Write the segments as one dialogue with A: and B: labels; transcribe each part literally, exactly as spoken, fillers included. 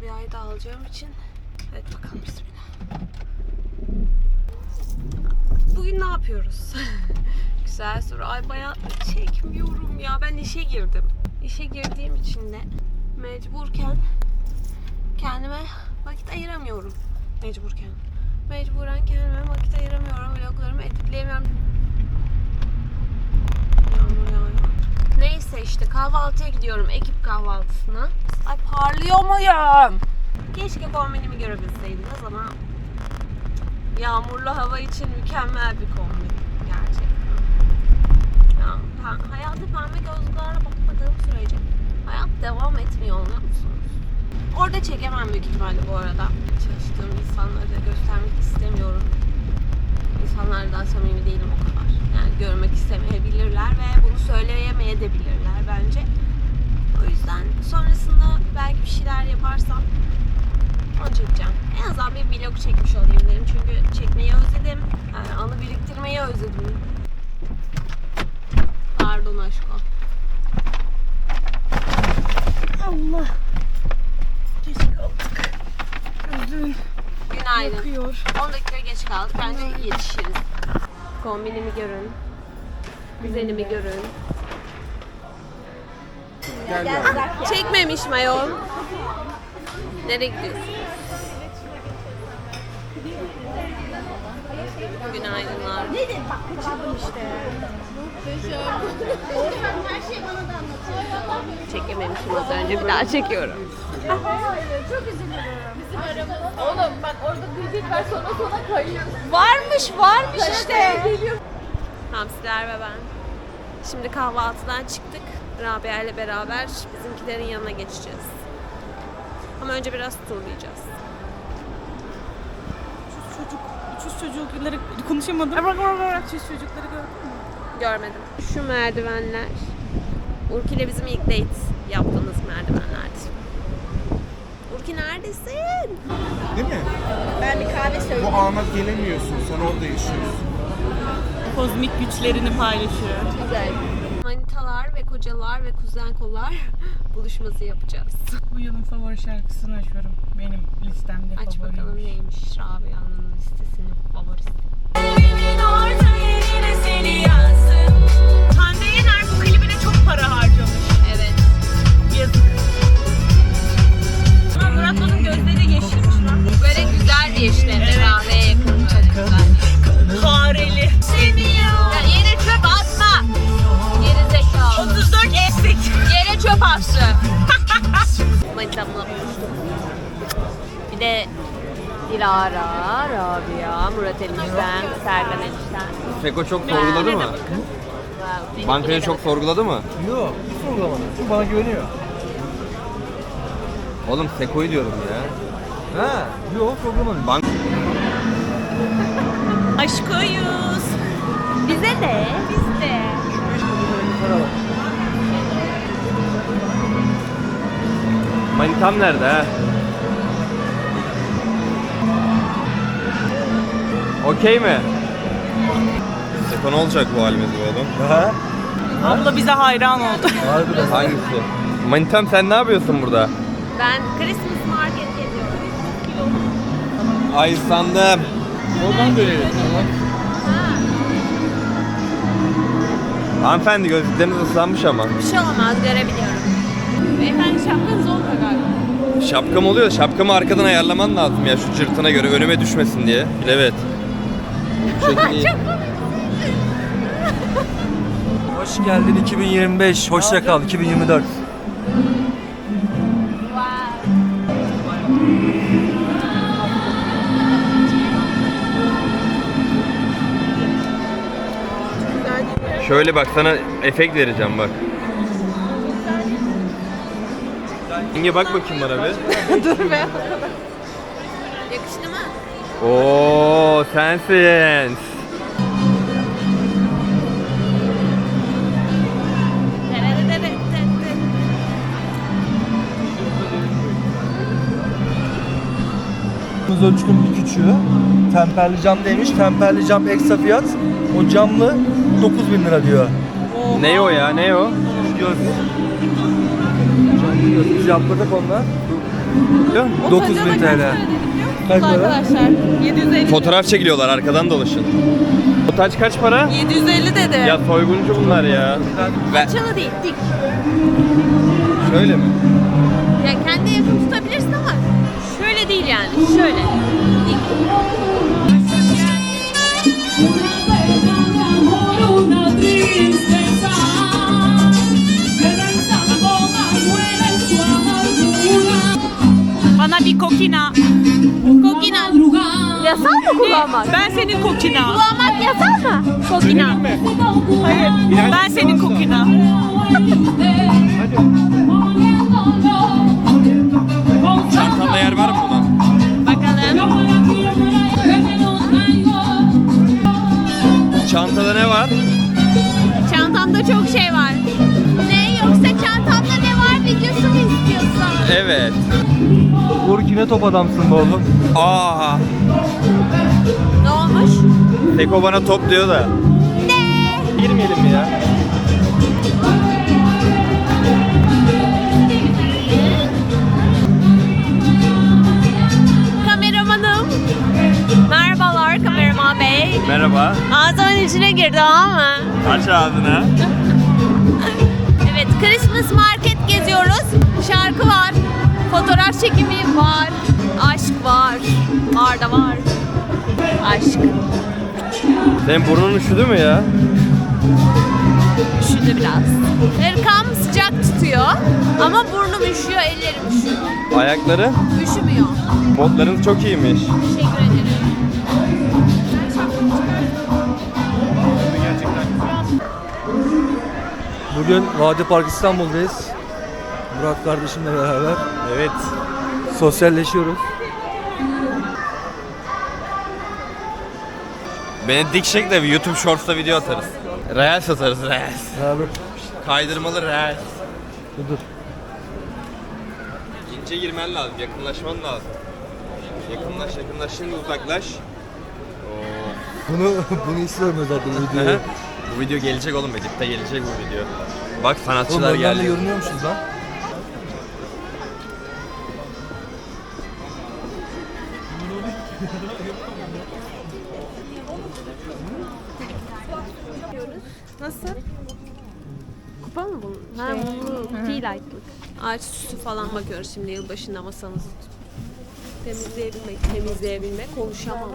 A: Rabia'yı da alacağım için. Hadi bakalım bismillah. Bugün ne yapıyoruz? Güzel soru. Ay bayağı çekmiyorum ya. Ben işe girdim. İşe girdiğim için de mecburken kendime vakit ayıramıyorum. Mecburken. Mecburen kendime vakit ayıramıyorum. Vloglarımı editleyemiyorum. Yağmur yağıyor. Neyse işte kahvaltıya gidiyorum. Ekip kahvaltısına. Ay parlıyor muyum? Keşke kombinimi görebilseydiniz ama yağmurlu hava için mükemmel bir kombin. Gerçekten. Ya, hayata pembe gözlüklerle bakmadığım sürece hayat devam etmiyor, anlıyor musunuz? Orada çekemem büyük ihtimalle bu arada. Çalıştığım insanları da göstermek istemiyorum. İnsanlarla daha samimi değilim o kadar. Yani görmek istemeyebilirler ve bunu söyleyemeyebilirler bence. O yüzden sonrasında belki bir şeyler yaparsam onu çekeceğim. En azından bir vlog çekmiş olayım dedim. Çünkü çekmeyi özledim. Yani anı biriktirmeyi özledim. Pardon aşkım.
B: Allah. Geç kaldık. Gözün
A: Günaydın.
B: yakıyor.
A: on dakika geç kaldık. Bence yetişiriz. Kombinimi görün. Güzelimi görün.
C: Gel gel.
A: Çekmemiş mayon. Nereye gidiyorsun? Günaydınlar.
C: Nedir bak kaçırdım işte. Oğuzhan her şeyi bana da anlatıyor.
A: Çekememişim az önce. Bir daha çekiyorum.
C: Çok üzülürüm. Bizim aramız. Oğlum bak orada kıyafet var sonra sonra kayıyor.
A: Varmış varmış işte. Hamsiler ve ben. Şimdi kahvaltıdan çıktık. Rabia ile beraber bizimkilerin yanına geçeceğiz. Ama önce biraz turlayacağız.
B: Çocuk, uçuş çocukları konuşamadım. Uçuş çocukları gördün mü?
A: Görmedim. Şu merdivenler. Urki ile bizim ilk date yaptığımız merdivenlerdi. Urki neredesin?
D: Değil mi?
C: Ben bir kahve söyleyeyim.
D: Bu ana gelemiyorsun. Sen orada yaşıyorsun.
B: Kozmik güçlerini paylaşıyor.
A: Güzel. Manitalar ve kocalar ve kuzen kollar buluşması yapacağız.
B: Bu yılın favori şarkısını açıyorum. Benim listemde
A: Aç
B: favoriymiş.
A: bakalım neymiş Rabia'nın listesinin favorisi.
B: Hande Yener bu klibine çok para harcamış.
A: Evet.
B: Yazık. Ama Murat Boz'un gözleri yeşilmiş lan.
A: Böyle güzel bir işleri kahveye yakın böyle güzel.
B: Fareli.
A: Ya yere çöp atma. Geri zekalı.
B: otuz dört eksik.
A: Yere çöp attı. Manitamla buluştuk. Bir de Dilara, Rabia, Murat enişten, Serkan enişten.
E: Feko çok sorguladı mı?
A: Wow,
E: Bankayı çok sorguladı mı?
F: Yok, hiç sorgulamadı. Çünkü bana güveniyor.
E: Oğlum Feko'yu diyorum ya.
F: Ha, yok sorgulamadı.
E: Bank
B: Aşkoyuz.
A: Bize de, biz de.
E: Manitam nerede ha? Okey mi? Feko ne olacak bu halimiz bu oğlum?
F: Ha?
B: Abla bize hayran oldu.
F: Harbiden.
E: Hangisi? Manitam sen ne yapıyorsun burada?
A: Ben Christmas market geziyorum.
E: Ay sandım.
F: Oradan dönelim.
E: Hanımefendi gözlükleriniz ıslanmış ama.
A: Bir şey olmaz, görebiliyorum. Beyefendi şapkanız olmuyor galiba.
E: Şapkam oluyor. Şapkamı arkadan ayarlaman lazım ya şu cırtına göre önüme düşmesin diye. Evet. Şu şekilde iyi.
F: Hoş geldin iki bin yirmi beş. Hoşça kal iki bin yirmi dört.
E: Şöyle bak sana efekt vereceğim bak. Yenge bak bakayım bana bir.
A: Dur be. Yakıştı mı?
E: Oo sensin.
F: Kız ölçünün bir küçüğü. Temperli cam demiş. Temperli cam ekstra fiyat. O camlı dokuz bin lira diyor.
E: Ne o ya ne o?
F: Göz. Camlı göz. Biz yaptırdık onunla. dokuz bin T L. Kaç para?
B: Arkadaşlar yedi yüz elli.
E: Fotoğraf çekiliyorlar, arkadan dolaşın. Otaç kaç para?
B: yedi yüz elli dedi.
E: Ya soyguncu bunlar ya. Ve
A: Çalı değil, dik.
E: şöyle mi?
A: Ya kendi yakın tutabilirsin ama şöyle değil yani. Şöyle. Dik.
B: Bana bir kokina.
A: Kokina. Yasal mı kullanmak?
B: Ben senin kokina.
A: Kullanmak yasal mı? Kokina.
B: Hayır. Ben senin kokina.
E: Çantanda yer var mı buna?
A: Bakalım.
E: Çantada ne var?
A: Çantamda çok şey var. Ne yoksa çantamda ne var videosu mu istiyorsun?
E: Evet.
F: Uğur yine top adamsın be oğlum.
E: Aa,
A: Ne olmuş?
E: Seko bana top diyor da.
A: Ne?
E: Girmeyelim mi ya?
A: Kameramanım. Merhabalar kameraman bey.
E: Merhaba.
A: Ağzımın içine girdi ama.
E: Aç ağzını.
A: Evet, Christmas market geziyoruz. Şarkı var. Fotoğraf çekimi var. Aşk var. Var da var. Aşk.
E: Senin burnun üşüdü mü ya?
A: Üşüdü biraz. Hırkam sıcak tutuyor. Ama burnum üşüyor, ellerim üşüyor.
E: Ayakları?
A: Üşümüyor.
E: Botlarınız çok iyiymiş.
A: Teşekkür ederim.
F: Bugün Vadi Park İstanbul'dayız. Murat kardeşimle beraber
E: Evet.
F: sosyalleşiyoruz.
E: Beni dik çek de bir YouTube Shorts'ta video atarız. Reels atarız, Reels.
F: Beraber.
E: Kaydırmalı Reels.
F: Dur dur.
E: İnce girmen lazım, yakınlaşman lazım. Yakınlaş, yakınlaş, şimdi uzaklaş. Oo.
F: Bunu bunu istiyorum özellikle videoyu.
E: Bu video gelecek oğlum, Edip'te gelecek bu video. Bak
F: Oğlum
E: sanatçılar
F: önden de
E: geldi.
F: görünüyormuşuz lan.
A: Nasıl? Kupa mı bu? Ha, bu tea light'lık. Ağaç süsü falan bakıyoruz şimdi yılbaşında masamızı. Temizleyebilmek, temizleyebilmek, konuşamam.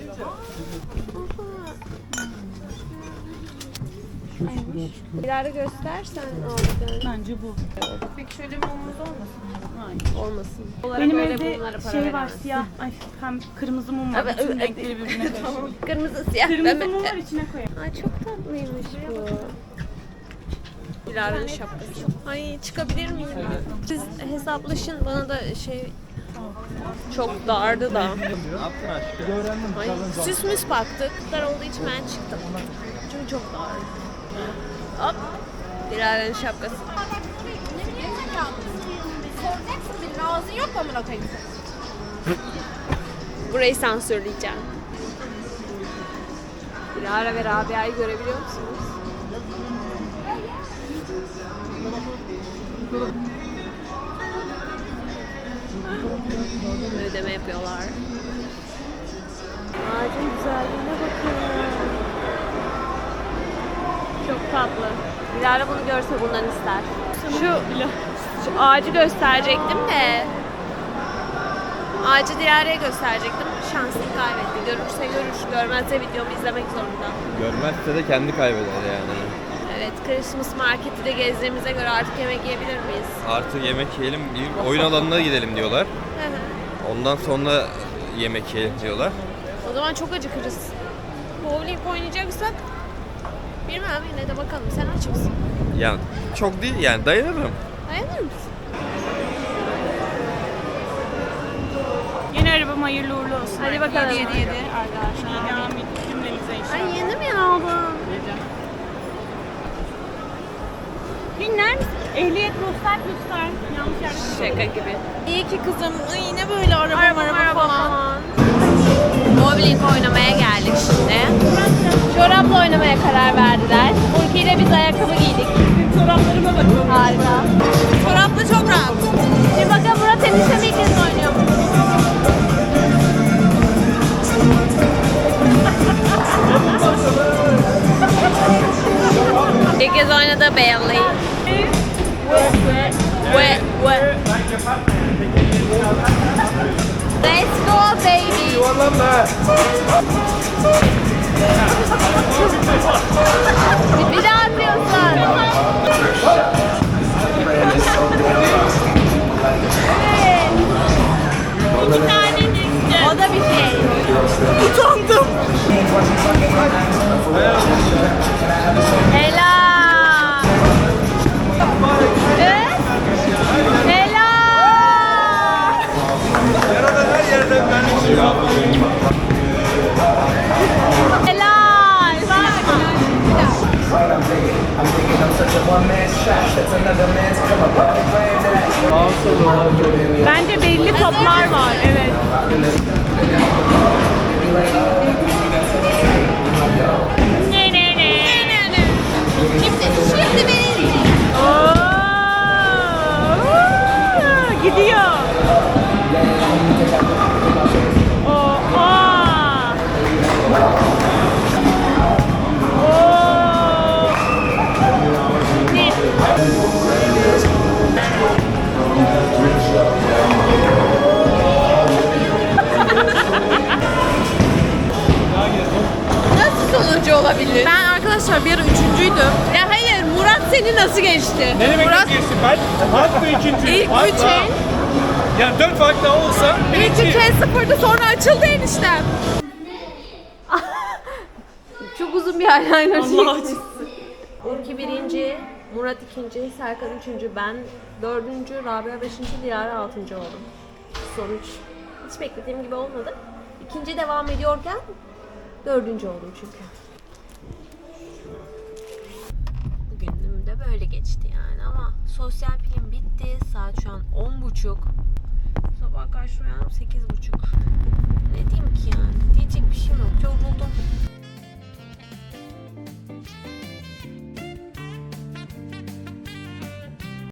A: İleride göstersen aldıklarını.
B: Bence bu.
A: Peki şöyle bir mumumuz olmasın? Olmasın. Olarak
B: Benim
A: öyle
B: evde
A: bunlara para
B: şey var
A: veremezsin.
B: siyah. Ay hem kırmızı mum var.
A: Evet,
B: Bütün
A: evet.
B: renkleri birbirine karıştırıyor.
A: Kırmızı siyah.
B: Kırmızı
A: Ben-
B: mum var içine koyalım.
A: Ay çok tatlıymış bu. Dilara'nın şapkası. Ay çıkabilir miyim? Siz hesaplaşın bana da şey çok dardı da.
E: Ne yaptın aşkım?
A: Ay süs müs baktık. Dar olduğu için ben çıktım. Çünkü çok dardı. Hop. Dilara'nın şapkası.
C: Soracaksın birine ağzın yok mu amına koyayım?
A: Burayı sansürleyeceğim. Dilara ve Rabia'yı görebiliyor musunuz? Ödeme yapıyorlar. Ağacın güzelliğine bakın. Çok tatlı. Dilara bunu görse bundan ister. Şu, şu ağacı gösterecektim de. Ağacı Dilara'ya gösterecektim. Şansını kaybetti. Görürse görür, görmezse videomu izlemek zorunda.
E: Görmezse de kendi kaybeder yani.
A: Evet, Christmas marketi de gezdiğimize göre artık yemek yiyebilir miyiz?
E: Artık yemek yiyelim, bir oyun alanına gidelim diyorlar.
A: Hı hı.
E: Ondan sonra yemek yiyelim diyorlar.
A: O zaman çok acıkırız. Bowling oynayacaksak bilmem, yine de bakalım. Sen aç mısın?
E: Yani çok değil yani, dayanırım.
A: Dayanır mısın?
B: Yeni arabam hayırlı uğurlu olsun.
A: Hadi bakalım.
B: yedi yedi arkadaşlar. Devam edin cümlenize inşallah.
A: Ay yeni mi aldın?
B: Dinler misin? Ehliyet ruhsat lütfen. Yanlış yerde.
A: Şaka gibi.
B: İyi ki kızım. Ay yine böyle araba
A: Araba, araba falan. Bowling oynamaya geldik şimdi. Çorapla oynamaya karar verdiler. Burki ile biz ayakkabı giydik.
B: Çoraplarıma bakın.
A: Harika. Çorapla çok rahat. Şimdi bakın Murat eniştemi ilk kez belly. Wet, wet. Let's go baby. Bir daha atıyorsun. Evet. İki tane düştü. O da bir şey.
B: Utandım.
A: Helal. Evet. Helal.
F: Yarada her yerden ben çıkıyorum.
A: Helal.
B: Bence belli toplar var. Evet.
A: Ne ne ne. Şimdi, şimdi benim.
B: Oo, gidiyor. Oha. Oo. Ne?
A: Nasıl sonucu olabilir?
B: Ben arkadaşlar bir ara üçüncüydüm.
A: Ya hayır, Murat seni nasıl geçti?
D: Ne demek
B: Murat-
D: geçti? Ben farklı ikinci.
B: İlk
D: Farklı.
B: üç el.
D: Yani dört fark daha olsa
B: İlk
D: birinci.
B: üç el sıfırdı, sonra açıldı eniştem.
A: Çok uzun bir eyeliner
B: Allah
A: çekmişsin. Urki birinci, Murat ikinci, Serkan üçüncü, ben dördüncü, Rabia beşinci, Dilara altıncı oldum. Sonuç hiç beklediğim gibi olmadı. İkinci devam ediyorken dördüncü oldum çünkü. Bugünüm de böyle geçti yani ama sosyal pilim bitti. Saat şu an on buçuk. Sabah kaç uyandım? sekiz buçuk.